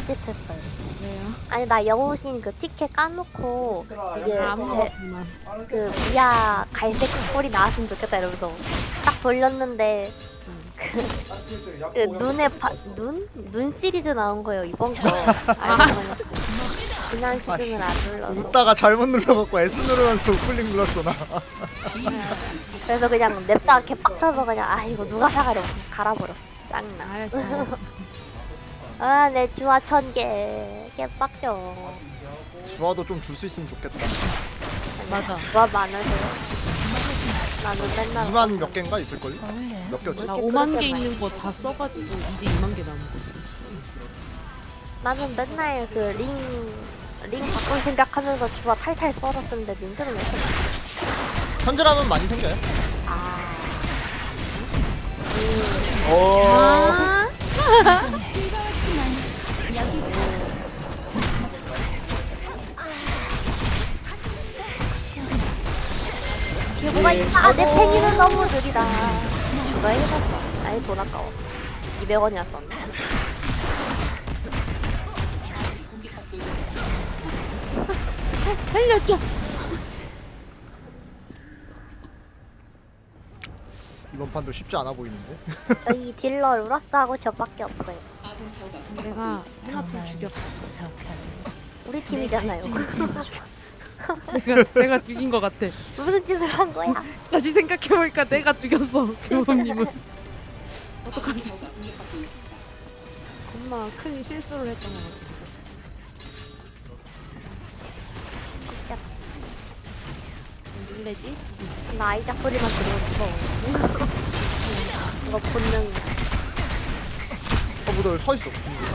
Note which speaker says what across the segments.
Speaker 1: 딴짓했어요.
Speaker 2: 왜요?
Speaker 1: 아니 나 영호신 그 티켓 까놓고 이게
Speaker 2: 안 먹었구나.
Speaker 1: 그 미아 갈색 뿔이 나왔으면 좋겠다 이러면서 딱 돌렸는데 그 눈에 눈 시리즈 나온 거예요 이번 거. 지난 시즌을 안 눌러서.
Speaker 3: 웃다가 잘못 눌러갖고 S 누르면서 우클릭 눌렀어 나.
Speaker 1: 그래서 그냥 냅다가 개빡쳐서 그냥 아 이거 누가 사가려 갈아버렸어. 짱나.
Speaker 2: 알았어.
Speaker 1: 아내 주화 1000개 개빡쳐.
Speaker 3: 주화도 좀 줄 수 있으면 좋겠다.
Speaker 2: 맞아.
Speaker 1: 주화 많으세요? 나는 맨날
Speaker 3: 2만 몇 개인가 있을걸요? 몇 개였지?
Speaker 2: 나 5만 개 있는 거 다 써가지고 이제 2만 개 남은 거.
Speaker 1: 나는 맨날 그 링 바꿀 생각하면서 주화 탈탈 썰었는데 민트는 왜 이렇게
Speaker 3: 현질하면 많이 생겨요.
Speaker 1: 아
Speaker 3: 어.
Speaker 1: 이게 뭐가 있다. 내 팽이는 너무 느리다. 누가 해봤어? 아이 돈 아까워. 200원이나 썼네.
Speaker 2: 살려줘.
Speaker 3: 이번 판도 쉽지 않아 보이는데.
Speaker 1: 저희 딜러 루라스하고 저밖에 없어요.
Speaker 2: 내가 하나 둘 죽였어.
Speaker 1: 우리 팀이잖아요.
Speaker 2: 내가 죽인 거 같아.
Speaker 1: 무슨 짓을 한 거야?
Speaker 2: 다시 생각해보니까 내가 죽였어. 교범님은. 어떡하지? 겁나 큰 실수를 했던 것 같아. 놀래지?
Speaker 1: 나 아이작 소리만 들으면 무서워. 이거 본능.
Speaker 3: 뭐 너 여기 서 있어.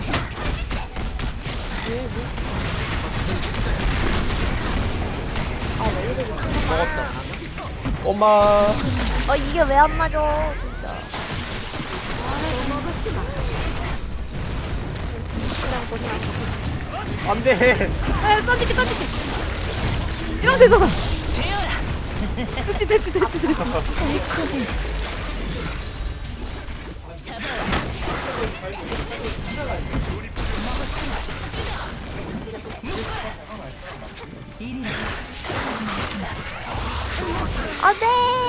Speaker 1: 아왜 이래?
Speaker 3: 먹었다. 엄마.
Speaker 1: 이게 왜 안 맞아? 진짜. 그냥 그냥.
Speaker 3: 안돼.
Speaker 2: 아, 던질게. 이러면 되잖아. 됐지.
Speaker 1: 안돼.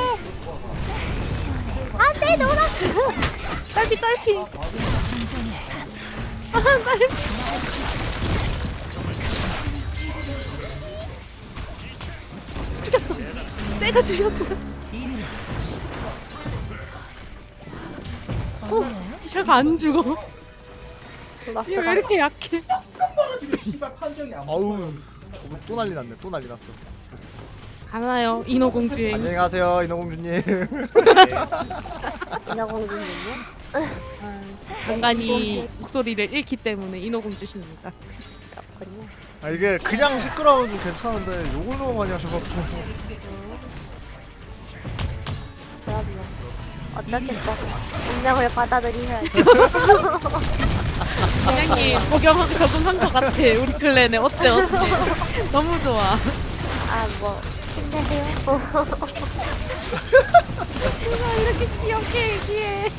Speaker 1: 안돼 노라스.
Speaker 2: 딸피. 아, 딸피. 죽였어. 내가 죽였어. 이샤가 안 죽어. 씨, 왜 이렇게 약해?
Speaker 3: 아우. 저거 또 난리 났네. 또 난리 났어.
Speaker 2: 가나요 인어공주행.
Speaker 3: 안녕히 가세요 인어공주님.
Speaker 1: 인어공주님요?
Speaker 2: 간간히 목소리를 잃기 때문에 인어공주십니다.
Speaker 1: 그렇군요.
Speaker 3: 아 이게 그냥 시끄러워도 괜찮은데 욕을 너무 많이 하셔갖고.
Speaker 1: 그럼요. 어떻겠어? 운명을 받아들이셔야지.
Speaker 2: 사장님 적용하고 적응한 것 같아. 우리 클랜에 어때? 너무 좋아.
Speaker 1: 뭐 힘내세요.
Speaker 2: 누가 이렇게 귀엽게 얘기해.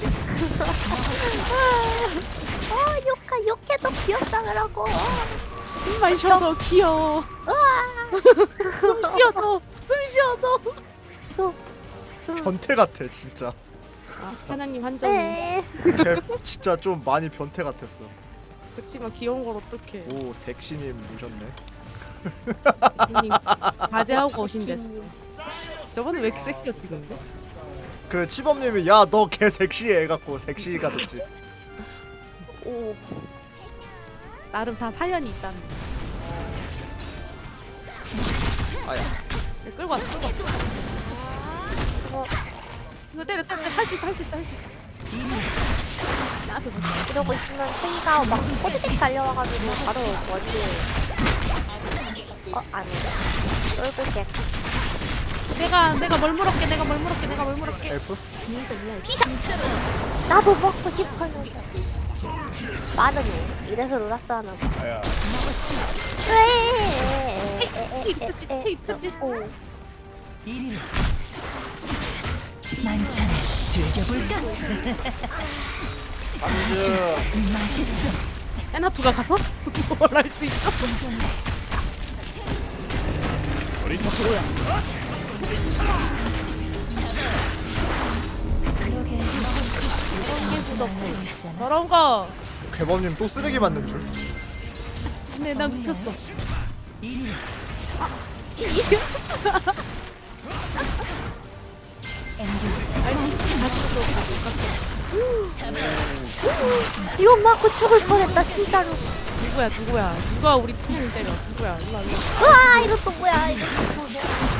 Speaker 1: 욕해도 귀엽다 그러고.
Speaker 2: 숨만 쉬어도 귀여워. 숨 쉬어줘.
Speaker 3: 변태 같아 진짜.
Speaker 2: 사장님 한정이.
Speaker 1: 네.
Speaker 3: 걔 진짜 좀 많이 변태 같았어.
Speaker 2: 그치만 귀여운 걸 어떡해.
Speaker 3: 오 섹시님 오셨네.
Speaker 2: 형님 과제하고 오신댔어. 저번에 왜 이렇게 섹시였지 근데?
Speaker 3: 그 치범님이 야 너 걔 섹시해 해갖고 섹시가 됐지.
Speaker 1: 오.
Speaker 2: 나름 다 사연이 있다는 거.
Speaker 3: 아야.
Speaker 2: 끌고 왔어. 이거 때려 할 수 있어. 나 앞에 보자.
Speaker 1: 이러고 있으면 팽이가 막 꼬드득 달려와가지고 바로 머리에 아니네. 쫄고 개.
Speaker 2: 내가 뭘 물었게.
Speaker 3: 엘프?
Speaker 2: 티샷.
Speaker 1: 나도 먹고 싶어요. 빠르네. 이래서 로라스 하나 봐.
Speaker 3: 아야.
Speaker 2: 테이프지.
Speaker 1: 오.
Speaker 4: 만찬을 즐겨볼까?
Speaker 3: 안주.
Speaker 4: 맛있어.
Speaker 2: 에나투가 가서 뭘 할 수 있어? 저런 거.
Speaker 3: 괴범님 또 쓰레기 맞는 줄.
Speaker 2: 근데 난 눕혔어.
Speaker 1: 이거 맞고 죽을 뻔했다 진짜로.
Speaker 2: 누구야? 누가 우리 팀을 때려? 누구야? 일로 와.
Speaker 1: 우와 이것도 뭐야 이것도 뭐야.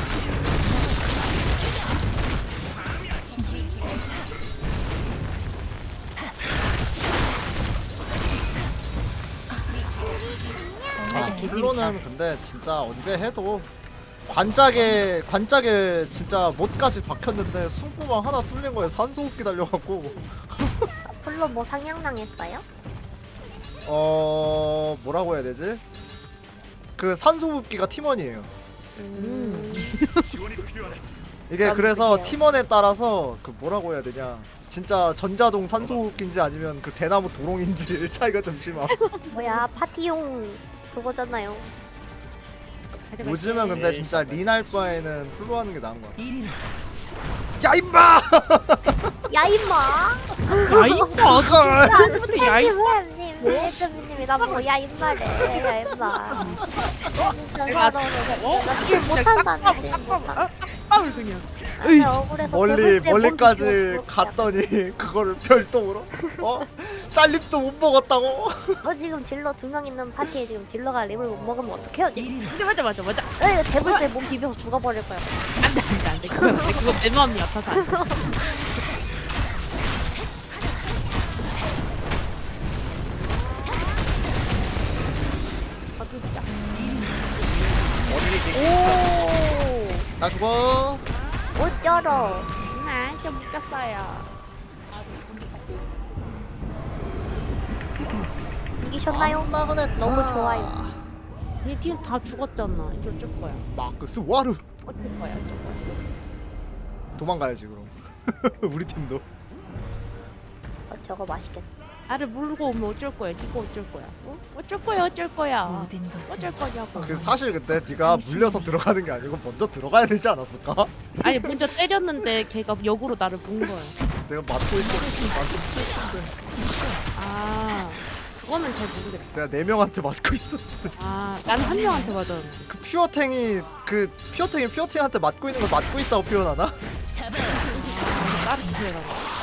Speaker 3: 플로는 근데 진짜 언제 해도 관짝에 진짜 못까지 박혔는데 숨구멍 하나 뚫린 거에 산소호흡기 달려갖고
Speaker 1: 플로 뭐 상향당했어요?
Speaker 3: 뭐라고 해야 되지? 그 산소호흡기가 팀원이에요. 이게 그래서 팀원에 따라서 그 뭐라고 해야 되냐, 진짜 전자동 산소호흡기인지 아니면 그 대나무 도롱인지 차이가 좀 심함.
Speaker 1: 뭐야 파티용 그거잖아요.
Speaker 3: 요즘은 근데 진짜 린할 바에는 플로 하는 게 나은 거 같아. 야 임마!
Speaker 1: 야 임마.
Speaker 2: 야 이거 아까부터 야 이거.
Speaker 1: 님 예수님이 나 뭐 야 임마래. 야 임마. 진짜 나길 못한다는데.
Speaker 2: 땀을 그냥.
Speaker 3: 멀리까지 갔더니 그거를 별도로 짤립도 못 먹었다고.
Speaker 1: 지금 딜러 2명 있는 파티에 지금 딜러가 립을 못 먹으면 어떡해요 지금?
Speaker 2: 맞아.
Speaker 1: 대불 때 몸 비벼서 죽어버릴 거야.
Speaker 2: 안돼. 그거 내 마음이 아파서 안 돼. 진짜.
Speaker 1: 오.
Speaker 3: 나 죽어.
Speaker 1: 어쩌러.
Speaker 2: 좀 웃겼어요.
Speaker 1: 이기셨나요? 너무 좋아요.
Speaker 2: 니 팀 다 죽었잖아. 이제 어쩔 거야.
Speaker 3: 마크스 와르.
Speaker 2: 어쩔 거야.
Speaker 3: 도망가야지 그럼. 우리 팀도.
Speaker 1: 저거 맛있겠다.
Speaker 2: 나를 물고 오면 어쩔 거야. 니가 어쩔 거야. 어쩔 거야. 어쩔 거냐고.
Speaker 3: 그 사실 근데 네가 물려서 들어가는 게 아니고 먼저 들어가야 되지 않았을까?
Speaker 2: 아니 먼저 때렸는데 걔가 역으로 나를 본 거야.
Speaker 3: 내가 맞고 있었는데 완전 슬픈데.
Speaker 2: 아 그거는 잘 모르겠다.
Speaker 3: 내가 4명한테 맞고 있었어.
Speaker 2: 아 나는 한 명한테 맞았는데.
Speaker 3: 그 퓨어탱이 퓨어탱한테 맞고 있는 걸 맞고 있다고 표현하나?
Speaker 2: 나를 기회라.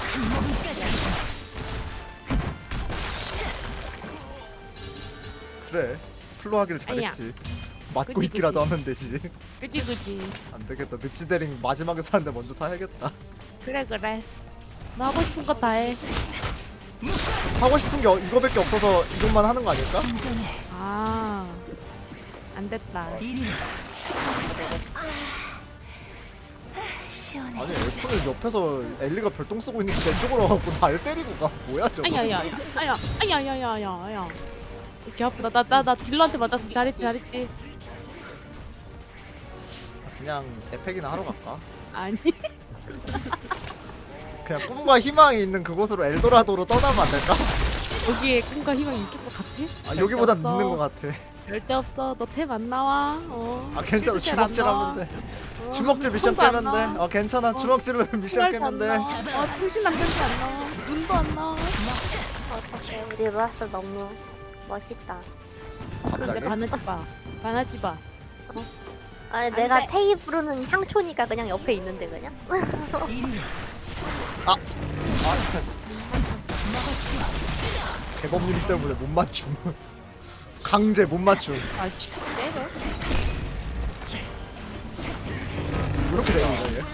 Speaker 3: 그래. 플로 하기를 잘했지. 맞고
Speaker 2: 그치,
Speaker 3: 있기라도 하면 되지.
Speaker 2: 그치.
Speaker 3: 안 되겠다. 늪지대링 마지막에 사는데 먼저 사야겠다.
Speaker 2: 그래. 너 하고 싶은 거 다 해.
Speaker 3: 하고 싶은 게 이거밖에 없어서 이것만 하는 거 아닐까?
Speaker 2: 아, 안 됐다.
Speaker 3: 아니 엘프는 옆에서 엘리가 별똥 쓰고 있는데 내 쪽으로 와갖고 날 때리고 가. 뭐야 저거?
Speaker 2: 아야. 이렇게 아프다. 나 딜러한테 맞았어. 잘했지.
Speaker 3: 그냥 에펙이나 하러 갈까?
Speaker 2: 아니.
Speaker 3: 그냥 꿈과 희망이 있는 그곳으로 엘도라도로 떠나면 안 될까?
Speaker 2: 여기에 꿈과 희망이 있을 것 같아?
Speaker 3: 여기보단 있는 것 같아.
Speaker 2: 절대 없어. 너 탭 안 나와.
Speaker 3: 괜찮아. 주먹질 하면 돼. 주먹질 미션
Speaker 2: 총도 안
Speaker 3: 깨면 돼.
Speaker 2: 나와.
Speaker 3: 괜찮아. 주먹질로 미션 깨면 돼.
Speaker 2: 통신 안전지 안 나와. 눈도 안 나와.
Speaker 1: 어떡해 우리 루아스 너무 멋있다.
Speaker 2: 근데
Speaker 3: 갑자기?
Speaker 2: 반하지 마.
Speaker 1: 아니 내가 테이 부르는 향초니까 그냥 옆에 있는데 그냥.
Speaker 3: 개범님 때문에 못 맞춤. 강제 못 맞춤.
Speaker 2: 때려.
Speaker 3: 이렇게 되는 거야 얘.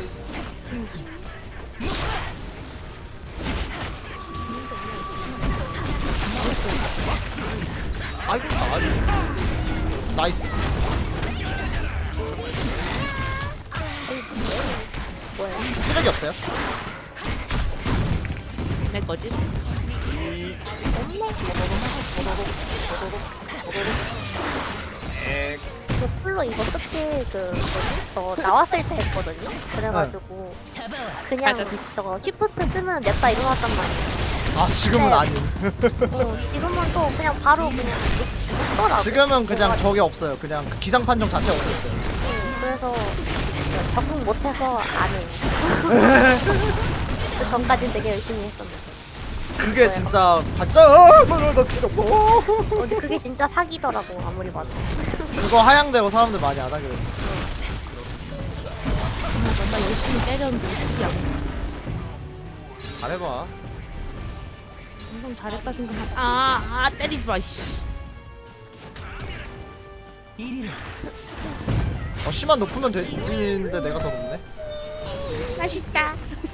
Speaker 3: 아이고 나이스.
Speaker 1: 뭐야?
Speaker 3: 쓰레기 없어요?
Speaker 2: 내 거지?
Speaker 1: 그 풀로 이거 특히 저 나왔을 때 했거든요. 그래가지고 그냥
Speaker 2: 맞아.
Speaker 1: 저거 쉬프트 쓰면 냅다 일어났단 말이야.
Speaker 3: 아 지금은
Speaker 1: 네.
Speaker 3: 아닌.
Speaker 1: 지금은 또 그냥 바로 그냥 묻더라고.
Speaker 3: 지금은 그냥 저게 없어요. 그냥 그 기상 판정 자체가 없어졌어요.
Speaker 1: 그래서 적응 못해서 안 해요. 그 전까진 되게 열심히 했었는데.
Speaker 3: 그게 진짜 가짜. 나 스킬 없어.
Speaker 1: 근데 그게 진짜 사기더라고 아무리 봐도.
Speaker 3: 그거 하향되고 사람들 많이 안 하게 됐어.
Speaker 2: 나 열심히 때렸는데 야
Speaker 3: 잘해봐.
Speaker 2: 엄청 잘했다 생각하. 아 때리지 마. 씨.
Speaker 3: 씨만 높으면 되지인데 내가 더 높네.
Speaker 2: 맛있다.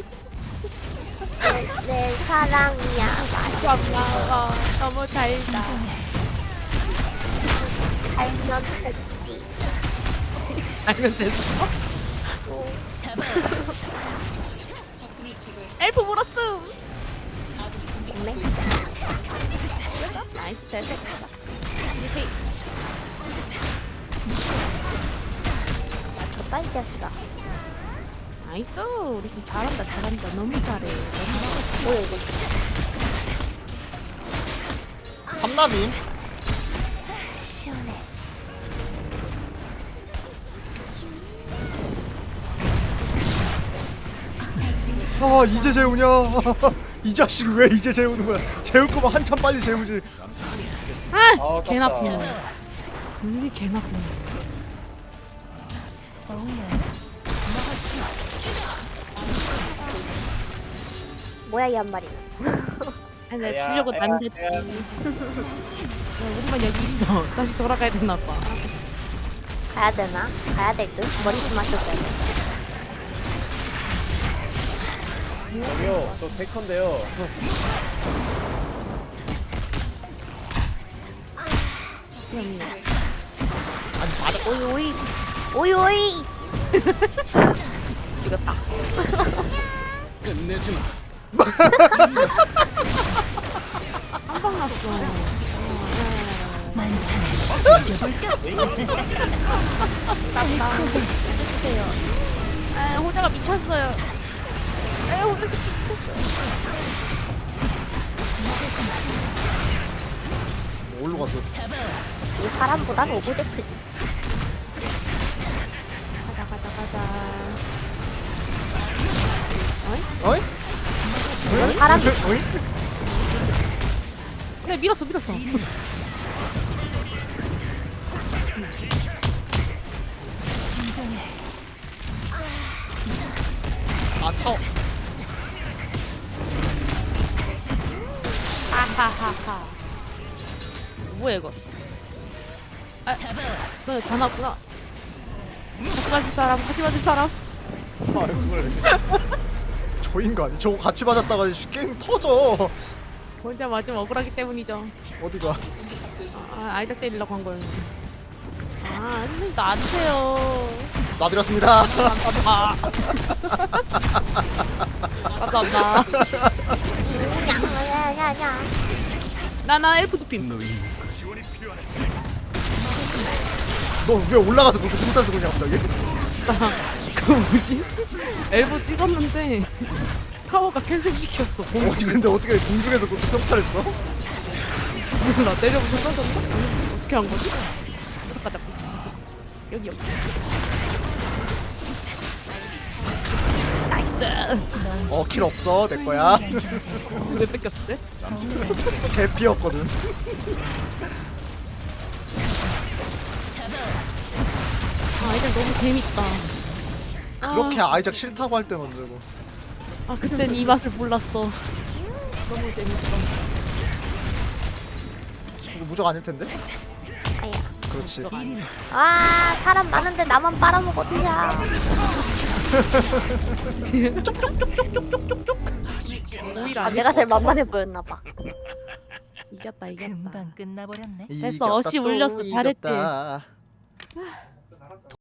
Speaker 1: 내 사랑이야.
Speaker 2: 고마워. 너무 달다.
Speaker 1: 알면 됐지.
Speaker 2: 알면 됐어. 엘프 물었음.
Speaker 1: 네.
Speaker 2: 나이스 됐어.
Speaker 1: 맞췄다 이 자식아.
Speaker 2: 나이스. 우리 팀 잘한다 잘한다. 너무 잘해.
Speaker 1: 뭐야 이거?
Speaker 3: 삼남임.
Speaker 1: 시원해.
Speaker 3: 아 이제 재우냐. 이 자식 왜 이제 재우는 거야. 재울 거면 한참 빨리 재우지.
Speaker 2: 아, 개 나쁘네. 이게 개 나쁘네.
Speaker 1: 뭐야 이 한 마리.
Speaker 2: 아니 내가 주려고 난데. 우리만 여기 있어. 다시 돌아가야 되나 봐.
Speaker 1: 가야 되나? 가야 될 듯? 머리 좀 맞춰줘야 돼.
Speaker 4: 저기요, 저 테이컨데요.
Speaker 3: 아니 맞아.
Speaker 1: 오이 오이 오이 오이.
Speaker 2: 죽었다.
Speaker 4: 끝내주마.
Speaker 2: 한방 났어. 해주세요. 아, 호자가 미쳤어요. 아, 호자 새끼 미쳤어요.
Speaker 3: 어디로 갔어?
Speaker 1: 이 사람보단 오브젝트.
Speaker 2: 가자 가자 가자.
Speaker 3: 어이?
Speaker 1: 이건 사람이.
Speaker 3: 어이?
Speaker 2: 그냥 밀었어 밀었어.
Speaker 3: 아 타워.
Speaker 2: 하하하하. 뭐야 이거? 아, 너다 나왔구나. 같이 맞을 사람, 같이 맞을 사람.
Speaker 3: 아 그걸 저 인간 저거 같이 맞았다가 게임 터져.
Speaker 2: 혼자 맞으면 억울하기 때문이죠.
Speaker 3: 어디가?
Speaker 2: 아, 아이작 때리려고 한 거였는데. 아, 선생님 놔주세요.
Speaker 3: 놔드렸습니다.
Speaker 2: 감사합니다.
Speaker 1: 야야야야.
Speaker 2: 나나 엘프 두핌.
Speaker 3: 너 왜 올라가서 그렇게 풍탄 쓰고 있냐 갑자기?
Speaker 2: 그 뭐지? 엘보 찍었는데 타워가 캔슬시켰어.
Speaker 3: 어디 근데 어떻게 공중에서 그렇게 평타했어?
Speaker 2: 몰라 내려부터 던졌나? 어떻게 한 거지? 가자 여기 여기. 나이스.
Speaker 3: 킬 없어 내 거야.
Speaker 2: 왜 뺏겼을 때?
Speaker 3: 개피였거든.
Speaker 2: 아 이제 너무 재밌다.
Speaker 3: 그렇게 아이작 싫다고 할 땐 언제고.
Speaker 2: 아 그땐 이 맛을 몰랐어. 너무 재밌어.
Speaker 3: 이거 무적 아닐 텐데?
Speaker 1: 아야.
Speaker 3: 그렇지.
Speaker 1: 아 사람 많은데 나만 빨아먹었냐.
Speaker 2: 오히려
Speaker 1: 아
Speaker 2: 안
Speaker 1: 내가 제일 만만해 보였나 봐.
Speaker 2: 이겼다 이겼다.
Speaker 5: 금방 끝나버렸네.
Speaker 2: 됐어, 어시 울렸어. 잘했지.
Speaker 3: 이겼다.